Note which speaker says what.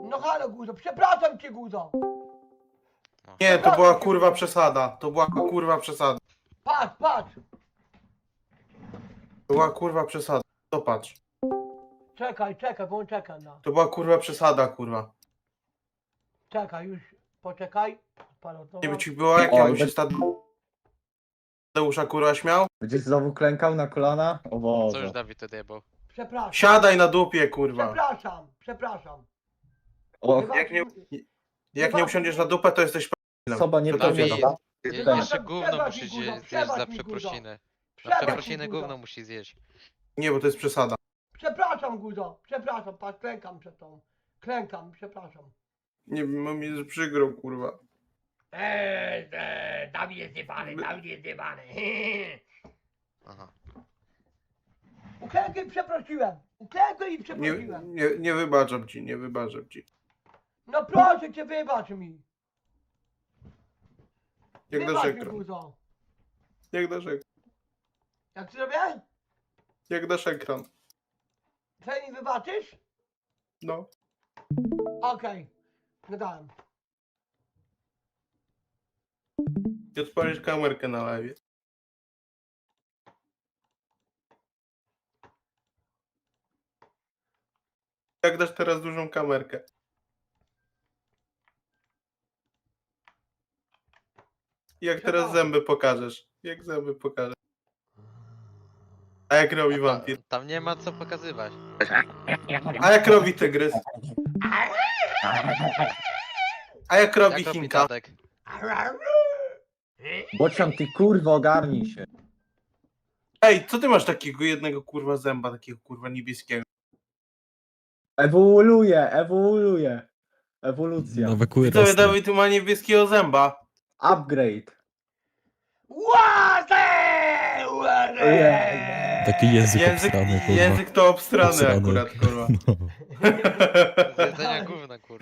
Speaker 1: No halo Guzo, przepraszam cię Guzo.
Speaker 2: Nie, to była kurwa przesada. To była kurwa przesada.
Speaker 1: Patrz, patrz.
Speaker 2: To była kurwa przesada. Popatrz.
Speaker 1: Czekaj, czekaj, bo on czeka na.
Speaker 2: To była kurwa przesada, kurwa.
Speaker 1: Czekaj, już, poczekaj. Palotowa.
Speaker 2: Nie by ci było, jak ja
Speaker 3: Oj,
Speaker 2: bym się Tadeusza kurwa śmiał?
Speaker 3: Będziesz znowu klękał na kolana? O
Speaker 4: Co już
Speaker 3: Boże.
Speaker 4: Dawid odjebał?
Speaker 1: Przepraszam.
Speaker 2: Siadaj na dupie, kurwa.
Speaker 1: Przepraszam, przepraszam.
Speaker 3: O,
Speaker 2: Jak nie usiądziesz na dupę, to jesteś
Speaker 3: osoba nie
Speaker 2: To
Speaker 4: Dawid,
Speaker 3: powiedziała.
Speaker 4: jeszcze gówno
Speaker 1: Przebacz
Speaker 4: musi
Speaker 1: mi,
Speaker 4: zjeść
Speaker 1: Guzo,
Speaker 4: za
Speaker 1: przebacz mi,
Speaker 4: przeprosiny. Za
Speaker 1: Przebacz mi,
Speaker 4: przeprosiny
Speaker 1: Guzo.
Speaker 4: gówno musi zjeść.
Speaker 2: Nie, bo to jest przesada.
Speaker 1: Przepraszam Guzo, przepraszam, patrz, klękam przed tą. Klękam, przepraszam.
Speaker 2: Nie wiem, mam mi przykro, kurwa.
Speaker 1: Dawid jest zjebany, Dawid jest zjebany.
Speaker 4: Aha.
Speaker 1: Uklękaj i przeprosiłem. Uklękaj i
Speaker 2: Nie,
Speaker 1: przeprosiłem.
Speaker 2: nie wybaczam ci, nie wybaczam ci.
Speaker 1: No proszę cię, wybacz mi.
Speaker 2: Jak dasz
Speaker 1: Wybacz mi
Speaker 2: ekran.
Speaker 1: Guzo.
Speaker 2: Jak dasz ekran.
Speaker 1: Jak zrobię?
Speaker 2: Jak dasz ekran.
Speaker 1: Czy mi wybaczysz?
Speaker 2: No.
Speaker 1: Okej. Gadałem.
Speaker 2: I odpalisz kamerkę na live. Jak dasz teraz dużą kamerkę. Jak teraz zęby pokażesz. Jak zęby pokażesz. A jak robi wampir?
Speaker 4: Tam nie ma co pokazywać.
Speaker 2: A jak robi tygrys? A jak robi
Speaker 4: Jak robi
Speaker 2: Chinka?
Speaker 4: Tadek?
Speaker 3: Bocian, ty kurwa, ogarnij się.
Speaker 2: Ej, co ty masz takiego jednego kurwa zęba, takiego kurwa niebieskiego?
Speaker 3: Ewoluuje, ewoluuje. Ewolucja.
Speaker 5: Nowe kły
Speaker 2: Widzowie,
Speaker 5: rosną.
Speaker 2: Dawid tu ma niebieskiego zęba.
Speaker 3: Upgrade.
Speaker 1: Łazę!
Speaker 5: Taki język
Speaker 2: Język,
Speaker 5: obstrany, kurwa.
Speaker 2: język to obstrany
Speaker 5: Obstrany.
Speaker 2: akurat, kurwa.
Speaker 5: No.
Speaker 4: Z jedzenia gówna, kurwa.